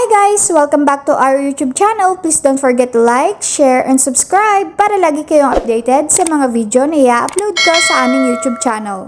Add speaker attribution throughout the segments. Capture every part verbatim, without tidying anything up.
Speaker 1: Hi guys! Welcome back to our YouTube channel. Please don't forget to like, share, and subscribe para lagi kayong updated sa mga video na i-upload ko sa aming YouTube channel.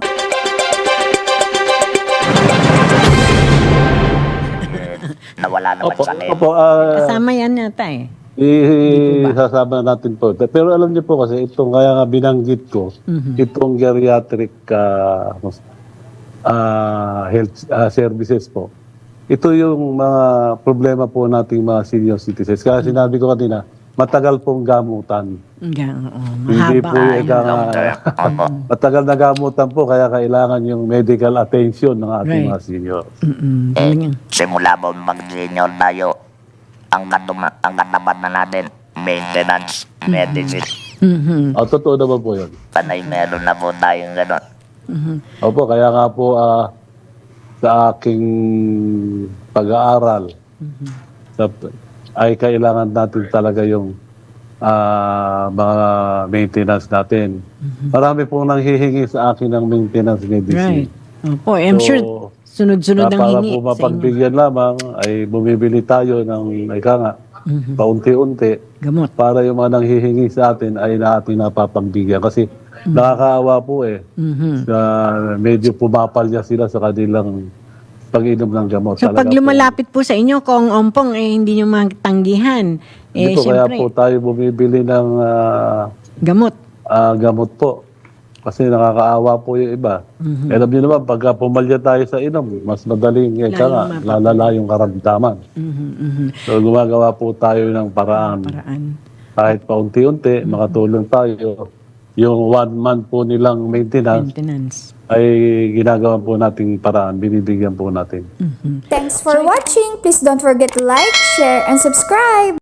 Speaker 2: Nawala naman
Speaker 3: Opo,
Speaker 2: sa name.
Speaker 3: opo, ah,
Speaker 4: Kasama yan yata eh.
Speaker 3: isasama natin po. Pero alam niyo po kasi itong kaya nga binanggit ko, itong geriatric ah, ah, health ah, services po. Ito yung mga problema po nating mga senior citizens. Kaya sinabi ko kanina, matagal pong gamutan.
Speaker 4: Yeah, oo.
Speaker 3: Hindi
Speaker 4: Mahaba
Speaker 3: po yung
Speaker 4: ay.
Speaker 3: ika-
Speaker 2: Long term. Opo.
Speaker 3: matagal na gamutan po, kaya kailangan yung medical attention ng ating
Speaker 4: Right.
Speaker 3: mga senior.
Speaker 4: Mm-mm.
Speaker 2: Eh,
Speaker 4: Galing yan.
Speaker 2: simula mo mag-senior tayo, ang natuma, ang nataman na natin, maintenance, medicine.
Speaker 4: Mhm.
Speaker 3: O, totoo naman po yun.
Speaker 2: Panay meron na po tayong gano'n.
Speaker 4: Mhm.
Speaker 3: Opo, kaya nga po ah, sa aking pag-aaral, sa, ay kailangan natin talaga yung ah, mga maintenance natin. Marami pong nanghihingi sa akin ng maintenance medicine.
Speaker 4: Right. Opo, I'm
Speaker 3: So,
Speaker 4: sure sunod-sunod
Speaker 3: Na
Speaker 4: ang
Speaker 3: para
Speaker 4: hingi
Speaker 3: po
Speaker 4: sa inyo.
Speaker 3: mapagbigyan lamang ay bumibili tayo ng ika nga, paunti-unti
Speaker 4: Gamot.
Speaker 3: para yung mga nanghihingi sa atin ay na ating napapagbigyan. Kasi nakakaawa po eh.
Speaker 4: Mhm.
Speaker 3: Na medyo pumapalya sila sa kanilang pag-inom ng gamot.
Speaker 4: So
Speaker 3: Talaga
Speaker 4: pag lumalapit po sa inyo, kung ompong eh hindi nyo matanggihan,
Speaker 3: po, hindi
Speaker 4: eh
Speaker 3: po kaya
Speaker 4: syempre,
Speaker 3: po tayo bumibili ng ah,
Speaker 4: gamot.
Speaker 3: ah, gamot po. Kasi nakakaawa po yung iba.
Speaker 4: Mhm.
Speaker 3: Alam niyo naman, pagka pumalya tayo sa inom, mas madaling eh, ka nga,
Speaker 4: Lalong
Speaker 3: lalala yung karamdaman.
Speaker 4: Mhm, mhm.
Speaker 3: So gumagawa po tayo ng paraan.
Speaker 4: Paraan.
Speaker 3: Kahit paunti-unti, makatulong tayo. Yung one month po nilang maintenance
Speaker 4: Maintenance.
Speaker 3: ay ginagawa po nating paraan, binibigyan po natin.
Speaker 4: Mhm.
Speaker 1: Thanks for watching! Please don't forget to like, share, and subscribe!